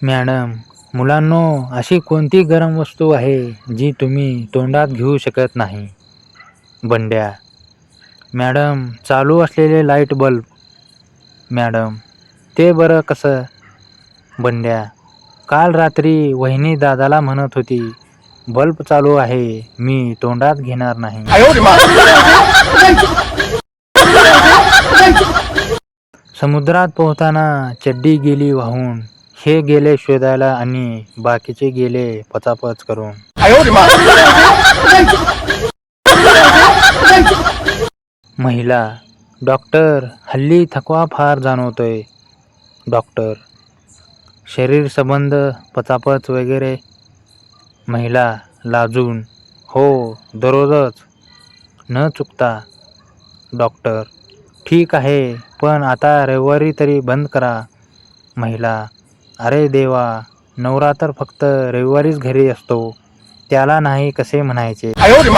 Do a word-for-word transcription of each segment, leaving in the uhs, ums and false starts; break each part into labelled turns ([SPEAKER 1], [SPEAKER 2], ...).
[SPEAKER 1] Madam, मुलांनो, अशी कोणती गरम वस्तू आहे जी तुम्ही तोंडात घेऊ शकत नाही? बंड्या: मॅडम, चालू असलेले लाईट बल्ब. मॅडम: ते बरं कसं? बंड्या: काल रात्री वहिनी दादाला म्हणत होती, बल्ब चालू आहे, मी तोंडात घेणार नाही. समुद्रात पोहताना चड्डी गेली वाहून, हे गेले शोधायला आणि बाकीचे गेले पचापच करून. महिला: डॉक्टर, हल्ली थकवा फार जाणवतोय. डॉक्टर: शरीर संबंध, पचापच वगैरे? महिला लाजून: हो, दररोजच, न चुकता. डॉक्टर: ठीक आहे, पण आता रविवारी तरी बंद करा. महिला: अरे देवा, नवरा तर फक्त रविवारीच घरी असतो, त्याला नाही कसे म्हणायचे?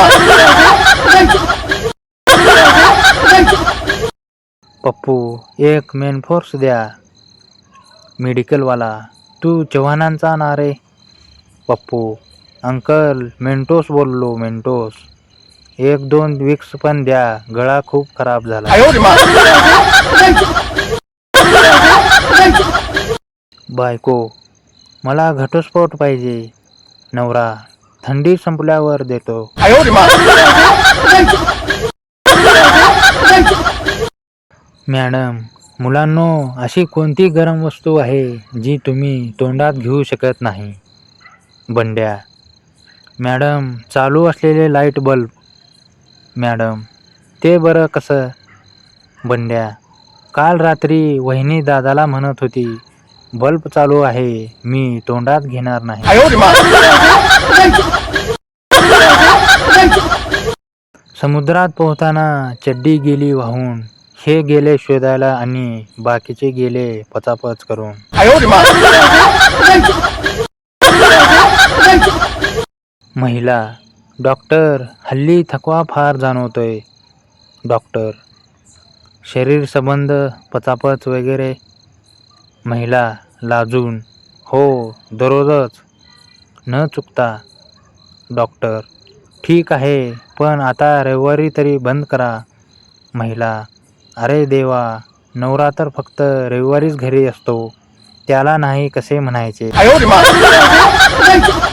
[SPEAKER 1] पप्पू: एक मेनफोर्स द्या. मेडिकलवाला: तू चव्हाणांचा ना रे? पप्पू: अंकल, मेंटोस बोललो, मेंटोस. एक दोन विक्स पण द्या, गळा खूप खराब झाला. बायको: मला घटस्फोट पाहिजे. नवरा: थंडी संपल्यावर देतो. मॅडम, मुलांनो, अशी कोणती गरम वस्तू आहे जी तुम्ही तोंडात घेऊ शकत नाही? बंड्या: मॅडम, चालू असलेले लाईट बल्ब. मॅडम: ते बरं कसं? बंड्या: काल रात्री वहिनी दादाला म्हणत होती, बल्ब चालू आहे, मी तोंडात घेणार नाही. समुद्रात पोहताना चड्डी गेली वाहून, हे गेले शोधायला आणि बाकीचे गेले पचापच करून. महिला: डॉक्टर, हल्ली थकवा फार जाणवतोय. डॉक्टर: शरीर संबंध, पचापच वगैरे? महिला लाजून: हो, दररोजच, न चुकता. डॉक्टर: ठीक आहे, पण आता रविवारी तरी बंद करा. महिला: अरे देवा, नवरा तर फक्त रविवारीच घरी असतो, त्याला नाही कसे म्हणायचे?